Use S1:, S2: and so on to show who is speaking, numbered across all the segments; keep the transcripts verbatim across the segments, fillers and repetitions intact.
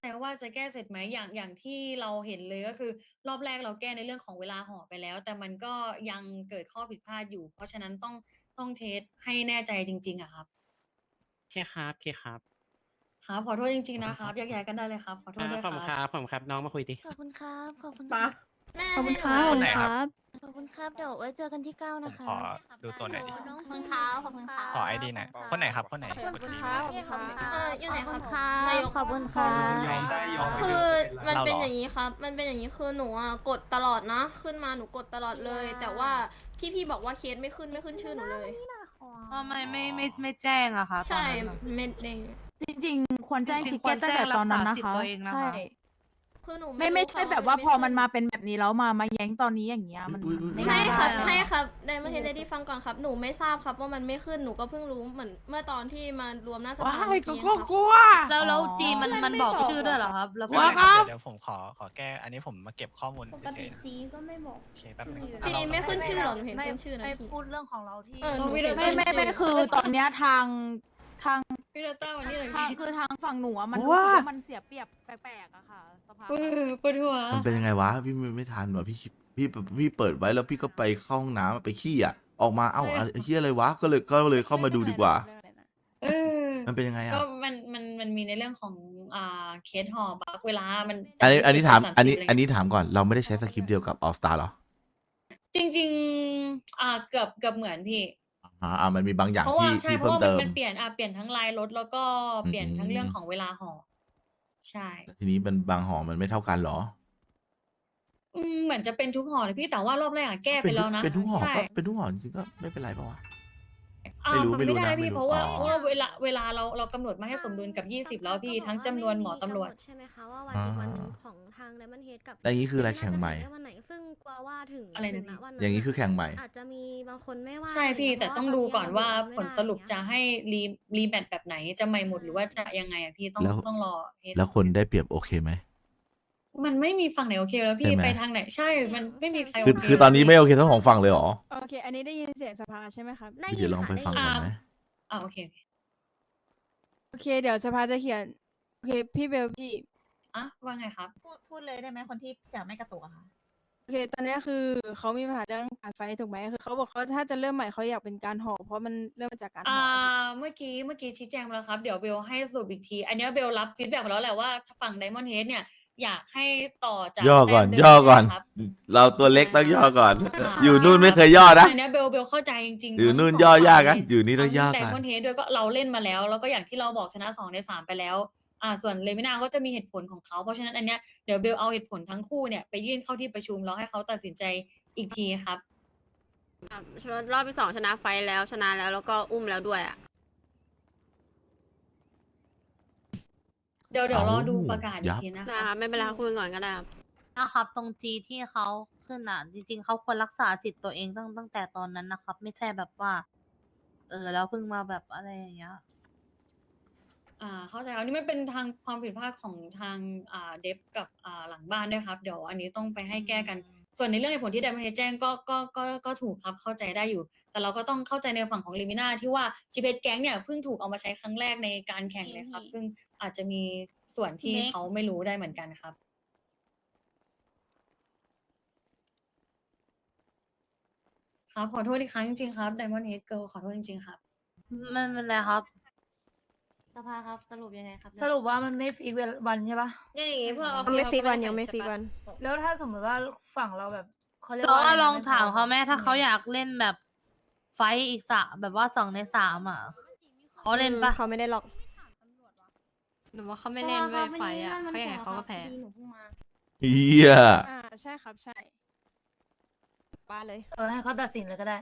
S1: ใจว่าจะแก้เสร็จไหมอย่างอย่างที่เราเห็นเลยก็คือรอบแรกเราแก้ในเรื่องของเวลาห่อไปแล้วแต่มันก็ยังเกิดข้อผิดพลาดอยู่เพราะฉะนั้นต้องต้องเทสให้แน่ใจจริงๆอะครับ
S2: โอเคครับโอเคครับ
S1: ครับขอโทษจริงๆ
S3: ขอโทษครับ
S1: นะครับแยกย้ายกันได้เลยครับขอโท
S2: ครับ
S1: ษด้วยครับ
S2: ผมครับผมครับน้องมาคุยดิ
S4: ขอบคุณครับขอบคุณค
S5: มา
S4: รับ
S6: แม่
S7: ขอบคุณครั
S6: ให้
S7: บ
S6: ห
S7: ขอบ
S6: นู
S7: คุณ
S6: หน่อย
S7: ครับ
S4: ขอบคุณครับเดี๋ยวไว้เจอกันที่เก้า
S3: ผ
S4: นะ
S3: ม
S4: คะ
S3: ขอดูตัวหน่อยดิ
S6: ขอบคุณครับขอบคุณครับ
S3: ขอไอดีหน่อยคนไหนครับคนไหน
S4: ขอบคุณครับขอบคุณครับ
S6: เอออยู่ไหน
S4: ขอบ
S6: ครั
S4: คุ
S6: บ
S4: ณครับ
S6: นายก
S4: ขอบคุณครับ
S5: ยอมได้ยอม
S6: คือมันเป็น
S3: เราเหรอ
S6: อย่างนี้ครับ มันเป็นอย่างนี้คือหนูอ่ะกดตลอดนะ ขึ้นมาหนูกดตลอดเลย แต่ว่าพี่ๆบอกว่าเคสไม่ขึ้นไม่ขึ้นชื่อหนูเลย
S7: ทำไมไม่ไม่ไม่แจ้งอะคะ
S6: ใช่
S7: ตอนนั้นอะ
S6: เม็ดเอง
S8: จริงๆ ควรแจ้ง
S7: จริ
S8: ชิ
S7: ง
S8: ค
S7: ๆคว
S8: เก้
S7: ร
S8: ตั้งแต่ตอนนั้นนะ
S7: แจ้งรักษาสิทธิ์
S8: คะ
S7: ตัวเองนะคะ
S8: ใช่
S6: คือหนู
S8: ไม่ไม่ใช่
S6: รู้
S8: แบบว่าพอมันมา
S6: ขึ้
S8: เป็นแบบนี้แล้วมามาแย้งตอนนี้อย่างเงี้ยมัน
S3: อุ๊ยอุ๊ย
S8: ไม่
S6: ไม่
S8: ได้
S6: ครับ
S8: อะ
S6: ไม่ครับไดมอนเฮดได้ฟังก่อนครับ หนูไม่ทราบครับว่ามันไม่ขึ้น หนูก็เพิ่งรู้เหมือนเมื่อตอนที่มารวมหน้าสภา
S5: ว้าย
S6: เมื่อ
S5: ก็
S6: กี้
S5: ก็
S6: ครับ
S5: กลัว
S7: แล้วแล้วจีมันมันบอกชื่อด้วยเหรอครับ แล้ว
S3: ไม่
S5: ว้า
S3: เป็นไรครับเดี๋ยวผมขอขอแก้อันนี้ผมมาเก็บข้อมูล
S4: ปก
S3: เฉ
S4: ติ
S3: ยๆนะ
S4: จีก็ไม่บอก
S3: โอเคแป๊บนึง
S6: จีไม่ขึ้นชื่อหรอหนูเห็น
S7: ไม่
S6: ขึ้นชื่อนะ
S7: ไม่
S6: พี่
S7: พูดเรื่องของเราที่
S6: เออหนูเห็น
S8: ไม่ไม่ไม่คือตอนเนี้ยทางทาง
S1: พี่เดต้าวันนี้เลย
S8: ทางคือทางฝั่งหนูอะมัน
S5: ว้า
S8: รู้สึกว่ามันเสียเปรียบแปลกๆอะค่ะสภาพ
S1: เออปวดหัว
S3: มันเป็นยังไงวะพี่ไม่ไม่ทันวะพี่พี่พี่เปิดไว้แล้วพี่ก็ไปเข้าห้องน้ำไปขี้อ่ะออกมาเอ้าอะไรเฮียอะไรวะก็เลยก็เลยเข้ามาดูดีกว่า
S1: เออ
S3: มันเป็นยังไงอ่ะ
S1: ก็มันมันมันมีในเรื่องของอ่าเคสห่อบักเวลามัน
S3: อันนี้อันนี้ถาม
S1: สสิบ
S3: อันนี้
S1: ะไร
S3: อันนี้ถามก่อนเราไม่ได้ใช้สคริปต์เดียวกับออสตาหรอ
S1: จริงๆอ่าเกือบเกือบเหมือนพี่
S3: อ่าอ่ามันมีบางอย่าง
S1: เพราะว่า
S3: ที่
S1: ใช่
S3: ที่
S1: เพราะ
S3: เพิ่ม
S1: ว่ามัน
S3: เติม
S1: มันเปลี่ยนอ่ะเปลี่ยนทั้งลายรถแล้วก็เปลี่ยนทั้งเรื่องของเวลาห่อใช่
S3: ทีนี้มันบางหอมันไม่เท่ากันเหรอ
S1: อืมเหมือนจะเป็นทุกห่อเลยพี่แต่ว่ารอบแรกอะแก้ไป
S3: เป็น
S1: แล้วนะ
S3: เป็นทุกหอ
S1: ใช่
S3: ก็เป็นทุกหอจริงๆก็ไม่เป็นไรปะวะ
S1: อ่า
S3: ไม่รู้
S1: มัน
S3: ไม่รู้
S1: ไม่ได้
S3: นะไม่
S1: พี่
S3: รู้
S1: เพราะว่า
S3: อ๋อ
S1: เพราะว่าเวลาเวลาเราเรากำหนดมาให้สมดุลกับยี่สิบแล้วพี่ทั้งจำนวนหมอตำรวจ
S4: ใช่ไหมคะว่าวันอีกวันหนึ่งของทางไดมอนเฮดกับ
S3: แต่อย่างนี้คืออะไรแข่งใหม่
S4: น่าจะเสร็จวันไหนซึ่งกลัวว่าถึง
S1: อะไรนะ
S4: ถึ
S1: พี่
S4: วั
S3: อย่างนี้คือแข่งใหม่
S4: อาจจะมีบางคนไม่ว่า
S1: ใช่พี่
S4: ะไร
S1: แต่
S4: เงี้ย
S1: ต้อง
S4: เพ
S1: ดู
S4: ราะ
S1: ก่อนว่า
S4: ต
S1: ผลสรุปจะให้รีรีแมทแบบไหนจะใหม่หมดหรือว่าจะยังไงอะพี่ต้อง
S3: แล้ว
S1: ต้องรอเทส
S3: แล้วคนได้เปรียบโอเคไหม
S1: มันไม่มีฝั่งไหนโอเคแล้วพี่
S3: ใช่ไหม
S1: ไปทางไหนใช่มันไม่มีใครโอ
S3: คือ
S1: เค
S3: คือตอนนี้ไม่โอเคทั้งสองฝั่งเลยเหรอ
S8: โอเค อันนี้ได้ยินเสียงสภาใช่ไหมครับ
S4: ได้
S3: เดี๋
S4: ยิ
S3: ย
S4: น
S3: วลอง
S4: ค่ะ
S3: ไปฟัง
S4: ด้
S3: ก่
S4: ยิ
S3: อนไหม
S1: อ่าโอเคโอเค
S8: โอเค เดี๋ยวสภาจะเขียนโอเคพี่เบลพี่
S1: อ่ะว่าไงครับ
S5: พูดพูดเลยได้ไหมคนที่จะไม่กระตุกอะค่ะ
S8: โอเค ตอนเนี้ยคือเขามีปัญหาเรื่องการไฟถูกไหมคือเขาบอกเขาถ้าจะเริ่มใหม่เขาอยากเป็นการห่อเพราะมันเริ่มมาจากการห่
S1: อ่า
S8: อ
S1: เมื่อกี้เมื่อกี้ชี้แจงไปแล้วครับ เดี๋ยวเบลให้สรุปอีกที อันเนี้ยเบลรับฟีดแบ็กมาแล้วแหละว่าฝั่งไดมอนด์เฮดเนี่ย อยากให้ต่อจาก
S3: ย่อก่อน
S1: แต้มเดิม
S3: ย่อก่อน
S1: ครับ
S3: เราตัวเล็กต้องย่อก่อน
S1: อ่า
S3: อยู่นู่นไม่เคยย่อนะ
S1: อันเนี้ยเบลเบลเข้าใจจริงๆ
S3: อยู่
S1: ทั้ง
S3: นู่น
S1: สง
S3: ย่อยาก
S1: ฝั่
S3: นะ
S1: ง
S3: อยู่นี่ต้องย่อ
S1: ได
S3: กัน
S1: มอนด์เฮดด้วยก็เราเล่นมาแล้ว แล้วก็อย่างที่เราบอกชนะสองในสามไปแล้ว อ่า ส่วนเลมินาก็จะมีเหตุผลของเขาเพราะฉะนั้นอันเนี้ยเดี๋ยวเบลเอาเหตุผลทั้งคู่เนี่ยไปยื่นเข้าที่ประชุมแล้วให้เขาตัดสินใจอีกทีครับ
S9: ครับใช่ว่ารอบที่สองชนะไฟท์แล้วชนะแล้วแล้วก็อุ้มแล้วด้วยอ่ะ
S1: เดี๋ยวเดี๋ยวรอดู
S3: เอ้า
S1: ประกาศอี
S3: ยั
S1: ก
S3: บ
S1: ทีนะค
S9: นะ
S1: รั
S9: คะ
S1: บ
S9: ไม่เป็นไรค่ะคุยกันก่อนก็ได้ครับ
S7: นะครับ ตรงจีที่เขาขึ้นอ่ะ จริง ๆเขาควรรักษาสิทธิ์ตัวเองตั้งตั้งแต่ตอนนั้นนะครับ ไม่ใช่แบบว่า เออแล้วเพิ่งมาแบบอะไรอย่างเงี้ย
S1: อ่าเข้าใจครับนี่มันเป็นทางความผิดพลาดของทางอ่าเดฟกับอ่าหลังบ้านด้วยครับ เดี๋ยวอันนี้ต้องไปให้แก้กัน ส่วนในเรื่องเหตุผลที่ไดมอนด์แจ้งก็ก็ก็ก็ถูกครับเข้าใจได้อยู่ แต่เราก็ต้องเข้าใจในฝั่งของลิมิน่าที่ว่าจีเพแก๊งเนี่ยเพิ่งถูกเอามาใช้ครั้งแรกในการแข่งเลยครับ ซึ่งอาจจะมีส่วนที่เขาไม่รู้ได้เหมือนกันครับ ครับขอโทษอีกครั้งจริงๆครับไดมอนด์เฮดเกิลขอโทษจริงๆครับ
S7: มันเป็นไรครับ
S4: สภาครับสรุปยังไงครับ
S7: สรุปว่ามันไม่ฟิกวันใช่ปะ
S6: อย่างงี้พวก
S9: ยังไม่ฟิกวันยังไม่ฟิกวัน
S7: แล้วถ้าสมมติว่าฝั่งเราแบบเขาเรียก
S6: เรา
S7: ว่า
S6: ก็ลองถาม
S7: เขาแม่ถ้าเขาอยากเล่นแบบไฟท์อีกสามแบบว่าสองในสามอ่ะเขาเล่นปะ
S9: เขาไม่ได้หรอก
S6: หนูว่าเขาไม่เล่นเว้ยไฟอ่ะเขาอย่างไงเขาก็แพ้
S4: หนูเพิ่งมา
S3: เฮีย
S8: อ่าใช่ครับใช่
S9: ป้าเลย
S7: เออให้เขาตัดสินเลยก็ได้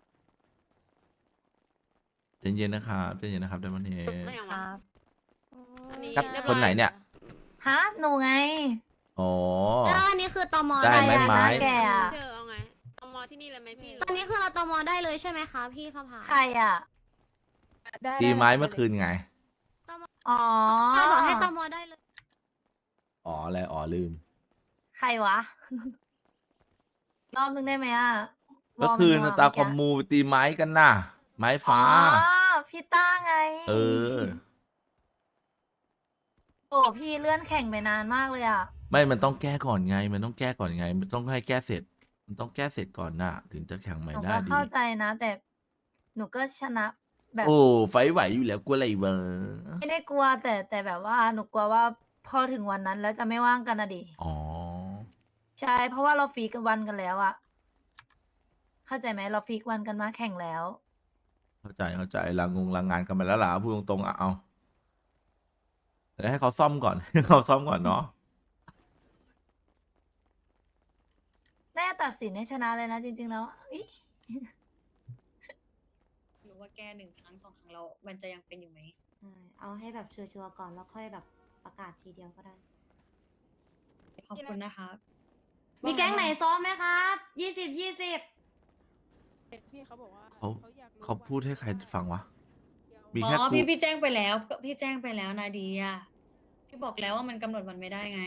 S3: ใจเย็นนะครับใจเย็นนะครับไดมอนเฮ
S9: ไม่เอา
S7: ค
S9: มา
S7: รับ
S9: อันนี้
S3: ครับ
S9: เรียบ
S3: ค
S9: ร้อน
S3: ไหนเนี่ย
S7: ฮะหนูไง
S3: อ๋อ
S4: แล้วอันนี้คือตม
S3: ได้ไหม
S4: เลย
S3: ไม้
S7: แกอะ
S9: เชื่อเอาไงเอามอที่นี่เลยไหมพี่
S4: อันนี้คือเราตมได้เลยใช่ไหมคะพี่สภา
S7: ใครอ่ะ
S8: ได้
S3: ตี
S8: ด้
S3: ไม้
S8: ด้
S3: เมื่อคืนไง
S7: อ๋อ
S4: เขาบอกให้ตมได้เลย
S3: อ๋ออะไรอ๋อลืม
S7: ใครวะ รอบนึงได้ไหมอ่ะ
S3: เมื่อคืน
S7: ว
S3: ตา
S7: ร์
S3: คอมมูไปตีไม้กันน่ะ ไม้ฟ้า
S7: อ๋อพี่ต้าไง
S3: เออ
S7: โอ้พี่เลื่อนแข่งไปนานมากเลยอ่ะ
S3: ไม่มันต้องแก้ก่อนไง มันต้องแก้ก่อนไง มันต้องให้แก้เสร็จ มันต้องแก้เสร็จก่อนน่ะ ถึงจะแข่งใหม่
S7: หนู
S3: ได้
S7: ก็
S3: ดี
S7: เข้าใจนะ แต่หนูก็ชนะแบบ
S3: โอ้ไฟไหวอยู่แล้วกลัวอะไรเวะ
S7: ไม่ได้กลัวแต่แต่แบบว่าหนูกลัวว่าพอถึงวันนั้นแล้วจะไม่ว่างกันนะดิ
S3: อ๋อ
S7: ใช่เพราะว่าเราฟีกกันวันกันแล้วอะเข้าใจไหมเราฟีกวันกันมาแข่งแล้ว
S3: เข้าใจเข้าใจลางงลางงานกันมาแล้วล่ะพูดตรงๆอ่ะเอาแต่ให้เขาซ่อมก่อน ให้เขาซ่อมก่อนเนาะ
S7: แน่าจะตัดสินให้ชนะเลยนะจริง ๆ แล้วอิ
S1: รู้ว่าแก้หนึ่งครั้งสองครั้งเรามันจะยังเป็นอยู่ไหม
S4: ใช่เอาให้แบบชัวร์ๆก่อนแล้วค่อยแบบประกาศทีเดียวก็ได้
S1: ขอบคุณนะครับ
S4: มีแก๊งไหนซ้อมไหมครับยี่สิบยี่สิบ
S8: พี่เขาบอกว่า
S3: เขา
S8: อยกรู้
S3: เขาพูดให้ใครฟังวะ
S8: เดี๋ยว
S3: มี
S1: อ๋
S3: แค่
S1: อ
S3: กู
S1: พี่พี่แจ้งไปแล้วพี่แจ้งไปแล้วนาดีอ่ะพี่บอกแล้วว่ามันกำหนดวันไม่ได้ไง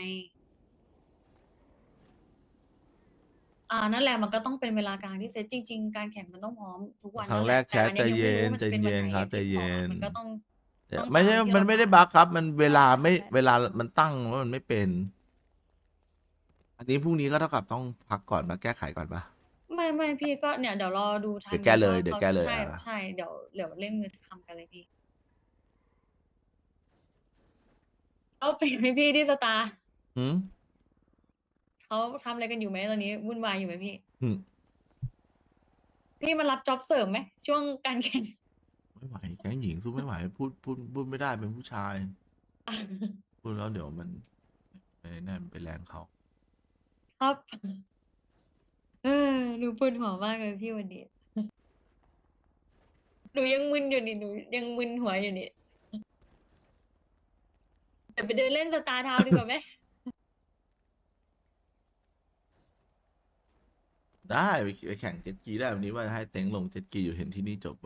S1: อ่านั่นแหละมันก็ต้องเป็นเวลากลางที่เซตจริง ๆ การแข่งมันต้องพร้อมทุกวัน
S3: ครั้ง
S1: นั่น
S3: แร
S1: หะ
S3: กแชท
S1: ต่อั
S3: ใจเย็น
S1: ง
S3: ใจ
S1: ไม่รู้ว่ามัจะป็
S3: เย็น
S1: วัไห
S3: ครับใจ
S1: ที่
S3: เย็
S1: บอก
S3: น
S1: มันก็ต้อง ต้อง
S3: ไม่ใช่
S1: ตามที่
S3: มัน
S1: เรา
S3: ไม่ได้
S1: ทำ
S3: บั๊กครับ มันเวลาไม่
S1: ใช่
S3: เวลามันตั้งแล้วมันไม่เป็น อันนี้พรุ่งนี้ก็เท่ากับต้องพักก่อนมาแก้ไขก่อนปะ
S1: ไม่ไม่พี่ก็เนี่ยเดี๋ยวรอดูทาง
S3: เดี๋ยวแก้เลย
S1: ว่า
S3: เดี๋ยว
S1: ขา
S3: แก้เลย
S1: ใช่
S3: อ่ะ
S1: ใช่เดี๋ยวเดี๋ยวเร่งมือทำกันเลยพี่เอาไปไหมพี่ที่สตาร์
S3: หืม
S1: เขาทำอะไรกันอยู่ไหมตอนนี้วุ่นวายอยู่ไหมพี่
S3: หืม
S1: พี่มารับจ็อบเสริมไหมช่วงการแข่ง
S3: ไม่ไหวแก๊งหญิงสู้ไม่ไหว พูดพูดพูดไม่ได้เป็นผู้ชาย พูดแล้วเดี๋ยวมันไปนั่นไปแรงเขา
S1: ครับ เออหนูปวดหัวมากเลยพี่วันนี้ หนูยังมึนอยู่นี่หนูยังมึนหัวอยู่นี่เดี๋ยวไปเดินเล่นสตาร์ทาวน์ดีกว่าไหม
S3: ได้ไปไปแข่งเจ็ตกีได้วันนี้ว่าให้เต็งลงเจ็ตกีอยู่เห็นที่นี่จบไป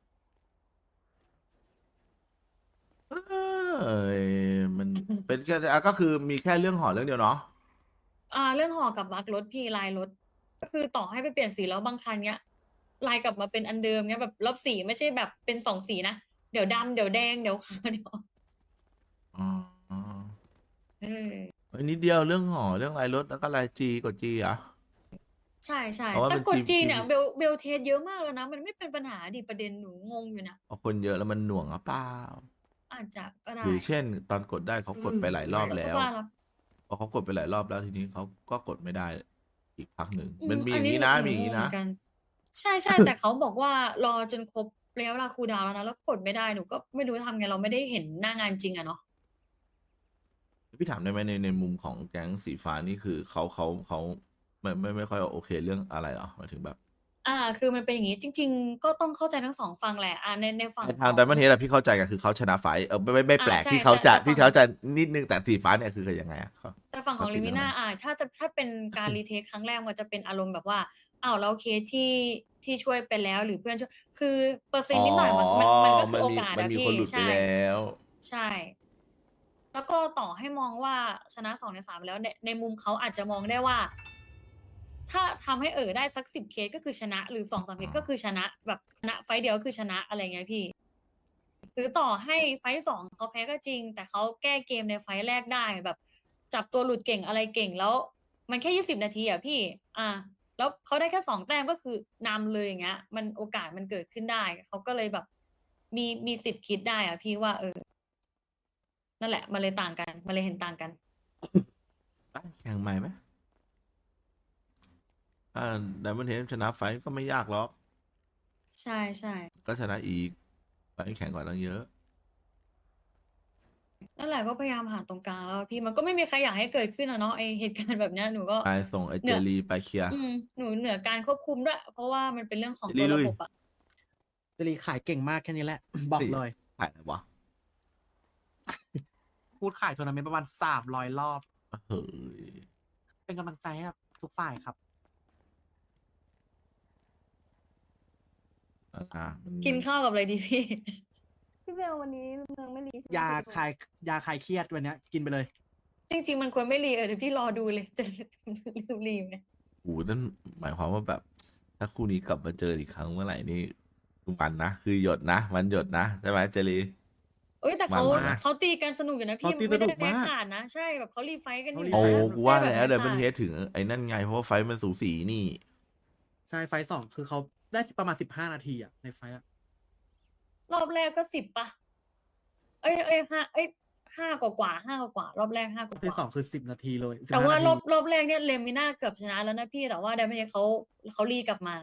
S3: เอ้ยมันเป็นแค่อ่ะก็คือมีแค่เรื่องหอเรื่องเดียวเนาะ
S1: อ่า เรื่องห่อกับบักรถพี่ลายรถ ก็คือต่อให้ไปเปลี่ยนสีแล้วบางคันเนี้ยลายกลับมาเป็นอันเดิมเนี้ยแบบรอบสีไม่ใช่แบบเป็นสองสีนะเดี๋ยวดำเดี๋ยวแดงเดี๋ยวขาวเดี๋ยว
S3: อ๋อ
S1: เออ
S3: เฮ้ยนิดเดียวเรื่องหอเรื่องลายรถแล้วก็ลายจีกดจีอ่ะ
S1: ใช่ใช่
S3: เพราะว่า
S1: แต่
S3: มัน
S1: กด
S3: จี
S1: จีเนี่ย
S3: จี
S1: เบลเบลเทสเยอะมากแล้วนะ มันไม่เป็นปัญหาดิประเด็นหนูงงอยู่นะ
S3: พอคนเยอะแล้วมันหน่วงหรือเปล่า
S1: อาจจะก็ได้
S3: หรือเช่น ตอนกดได้เขากดไปหลายรอบแล้ว
S1: ก็ว่ารับ
S3: พอเขากดไปหลายรอบแล้วทีนี้เขาก็กดไม่ได้อีกพักหนึ่ง
S1: อื
S3: มันมีอ
S1: อั
S3: ย่างนี้นะ
S1: ห
S3: มีอย่าง
S1: ง
S3: นี้
S1: เห
S3: นะ
S1: มือนกัน ใช่ใช่ แต่เขาบอกว่ารอจนครบระยะเวลาคูลดาวน์แล้วนะแล้วกดไม่ได้หนูก็ไม่รู้จะทำไงเราไม่ได้เห็นหน้างานจริงอะเนาะ
S3: พี่ถามได้ไหมในในมุมของแก๊งสีฟ้านี่คือเขาเขาเขาไม่ไม่ไม่ค่อยโอเคเรื่องอะไรเหรอหมายถึงแบบ
S1: อ่า คือมันเป็นอย่างนี้จริง ๆ ก็ต้องเข้าใจทั้งสองฝั่งแหละอ่าในในฝั่ง
S3: ใน
S1: ข
S3: ทาง
S1: อง
S3: ดัมเบิลเฮดอะพี่เข้าใจกันคือเขาชนะไฟท์เออไม่ไม่ไม่แปลก
S1: อ่าใช่
S3: ที่เขาจะ
S1: แต่แต่
S3: ที่เขาจะนิดนึงแต่สีฟ้าเนี่ยคือยังไงอะเขา
S1: แต่ฝั่งของ
S3: เขาติ
S1: ลิ
S3: ดเรื่
S1: มิ
S3: อง
S1: น่า
S3: อะไร
S1: อ่าถ้าจะถ้าเป็นการรีเทคครั้งแรกมันจะเป็นอารมณ์แบบว่าอ้าวแล้วเคสที่ที่ช่วยไปแล้วหรือเพื่อนช่วยคือเปอร์เซ็นต์นิดหน่อยมันมันมันก็คือโอกาส
S3: มัน
S1: อะ
S3: มี
S1: พี่
S3: คนหลุดไป
S1: ใช่
S3: แล้ว
S1: ใช่ แล้วก็ต่อให้มองว่าชนะสองในสามแล้วในในมุมเขาอาจจะมองได้ว่า ถ้าทำให้เออได้สักสิบเคสก็คือชนะ หรือสองสามเคสก็คือชนะ แบบชนะไฟต์เดียวก็คือชนะอะไรเงี้ยพี่ หรือต่อให้ไฟต์สองเขาแพ้ก็จริง แต่เขาแก้เกมในไฟต์แรกได้แบบ จับตัวหลุดเก่งอะไรเก่งแล้ว มันแค่ยี่สิบนาทีอ่ะพี่ อ่ะแล้วเขาได้แค่สองแต้มก็คือนำเลยอย่างเงี้ย มันโอกาสมันเกิดขึ้นได้เขาก็เลยแบบ มีมีสิทธิ์คิดได้อ่ะพี่ว่า เออ นั่นแหละ มันเลยต่างกัน มันเลยเห็นต่างกัน
S3: แข่งใหม่ไหมอ่าดัมเบิลเฮดชนะไฟท์ก็ไม่ยากหรอก
S1: ใช่ใช่
S3: ก็ชนะอีกไฟท์แข่งกว่าตั้งเยอะ
S1: นั่นแหละก็พยายามหาตรงกลางแล้วอะพี่มันก็ไม่มีใครอยากให้เกิดขึ้นอะเนาะไอเหตุการณ์แบบเนี้ยหนูก็
S3: ไปส่งไอ
S1: เหนื
S3: เจ
S1: อ
S3: ลีไปเคลียร์
S1: อืมหนูเหนือการควบคุมด้วย เพราะว่ามันเป็นเรื่องของ
S3: เจลี
S1: ตัว
S3: ลุ
S1: ระ
S3: ย
S1: บบอะ
S2: จรีขายเก่งมากแค่นี้แหละ บอกเลย
S3: ถ่ายอะไรวะ
S2: พูดขายทัวร์นาเมนต์ประมาณสามร้อยรอบ
S3: เฮ้ย
S2: เป็นกำลังใจให้กับทุกฝ่ายครับ
S3: อ่ะมัน
S1: กินข้าวกับอะไรดีพี่
S8: พี่เบลวันนี้เมืองไม่รี
S2: ยาคลายยาคลายเครียดวันเนี้ยกินไปเลย
S1: จริง ๆ มันควรไม่รีเออเดี๋ยวพี่รอดูเลย จะลืมรีไหม
S3: โอ้โหนั่นหมายความว่าแบบ ถ้าคู่นี้กลับมาเจออีกครั้งเมื่อไหร่นี่คือมันนะ คือหยดนะ มันหยดนะ ใช่ไหมเจลี
S1: โเอ้ยแต่เขา
S3: มันมาก
S1: เขาตีกันสนุกอยู่นะพี่
S2: เขาตี
S1: ไม่ได้
S2: สนุก
S1: แพ้
S2: มาก
S1: ขาดนะ ใช่แบบเขารีไฟท์กันอยู่
S2: เขา
S3: โอ้
S2: รีไฟท์
S1: นะ
S3: กูว่า
S1: ไม่
S3: แล้ว
S1: ได้
S3: เดี๋
S1: บบ
S3: ยวมัน
S1: แพ้
S3: เฮ
S1: ขาด
S3: ดถึงไอ้นั่นไง เพราะว่าไฟท์มันสูสีนี่
S2: ใช่ไฟท์สองคือเขาได้ประมาณสิบห้านาทีอะในไฟท์อะ
S1: รอบแรกก็สิบปะเอ้ยเอ้ยห้าเอ้ยห้ากว่ากว่าห้ากว่ากว่ารอบแรกห้ากว่าร
S2: ที่
S1: ก
S2: สอ
S1: ว่าง
S2: คือสิบนาทีเลยสิบ
S1: แต่
S2: ห้
S1: ว่ารอบ
S2: นที
S1: รอบแรกเนี่ยเลมิน่าเกือบชนะแล้วนะพี่แต่ว่าไดมอนเฮดเขาเขารีกลับมา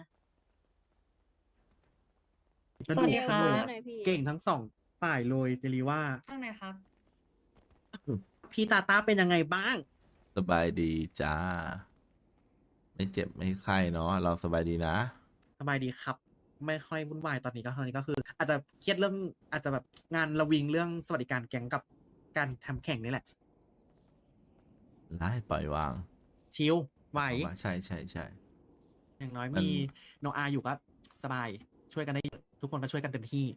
S2: สนุ
S1: สวั
S2: ก
S1: สดี
S2: ส
S1: ค่ะ
S2: นุกเก่งทั้งสองฝ่ายเลยเจลีว่า
S1: ข้างในครับ
S2: พี่ตาตาเป็นยังไงบ้าง
S3: สบายดีจ้า ไม่เจ็บไม่ไข้เนาะเราสบายดีนะ
S2: สบายดีครับ ไม่ค่อยวุ่นวายตอนนี้ก็ตอนนี้ก็คือ อาจจะเครียดเรื่องอาจจะแบบงานระวิงเรื่องสวัสดิการแก๊งกับการทำแข่งนี่แหละ
S3: ไล่ปล่อยวาง
S2: ชิลไหว
S3: เอาว่าใช่ใช่ใช่
S2: อย่างน้อย
S3: มัน
S2: มีโนอาอยู่ก็สบาย ช่วยกันได้เยอะทุกคนก็ช่วยกันเต็มที่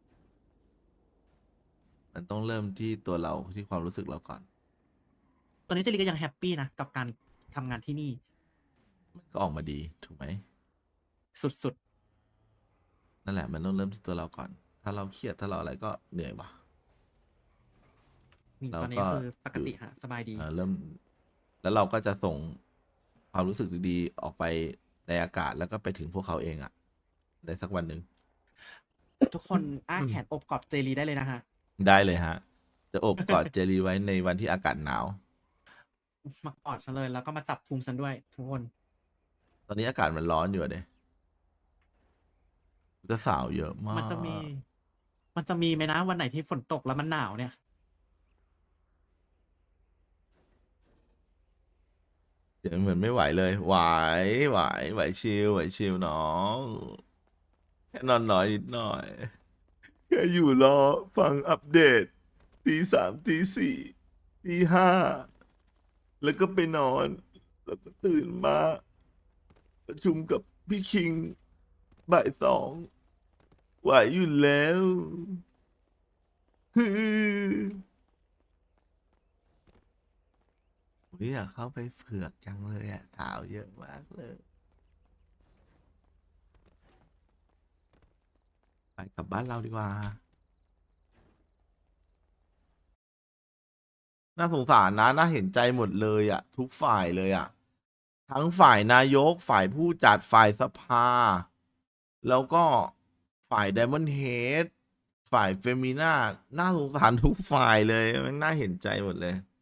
S3: มันต้องเริ่มที่ตัวเราที่ความรู้สึกเราก่อน
S2: ตอนนี้เจลีก็ยังแฮปปี้นะกับการทำงานที่นี่
S3: มันก็ออกมาดีถูกไหม
S2: สุด
S3: นั่นแหละมันต้องเริ่มที่ตัวเราก่อน ถ้าเราเครียดถ้าเราอะไรก็เหนื่อยว่ะ
S2: ๆนี่
S3: เรา
S2: ตอนนี้
S3: ก็
S2: คือปกติฮะสบายดี
S3: เอ่อเริ่ม แล้วเราก็จะส่งความรู้สึกดีๆออกไปในอากาศแล้วก็ไปถึงพวกเขาเองอะในสักวันหนึ่ง
S2: ทุกคนอ้าแขนอบกอดเจลีได้เลยนะฮะ
S3: ได้เลยฮะ จะอบกอดเจลีไว้ในวันที่อากาศหนาว
S2: มากอดฉันเลยแล้วก็มาจับพุงฉันด้วย ทุกคน
S3: ตอนนี้อากาศมันร้อนอยู่อะเด้จะสาวเยอะมาก
S2: มันจะมี มันจะมีไหมนะวันไหนที่ฝนตกแล้วมันหนาวเนี่ย
S3: เดี๋ยวเหมือนไม่ไหวเลย ไหวไหวไหวชิลไหวชิลน้องแค่นอนน้อยนิดหน่อยแค่อยู่รอฟังอัปเดตตีสามตีสี่ตีห้าแล้วก็ไปนอน แล้วก็ตื่นมา ประชุมกับพี่คิงบ่ายสองไหวอยู่แล้วฮือผมอยากเข้าไปเผือกจังเลยอ่ะสาวเยอะมากเลย ไปกลับบ้านเราดีกว่า น่าสงสารนะ น่าเห็นใจหมดเลยอ่ะ ทุกฝ่ายเลยอ่ะ ทั้งฝ่ายนายก ฝ่ายผู้จัด ฝ่ายสภา แล้วก็ฝ่ายไดมอนด์เฮด ฝ่ายเฟมิน่า น่าสงสารทุกฝ่ายเลยมันน่าเห็นใจหมดเลย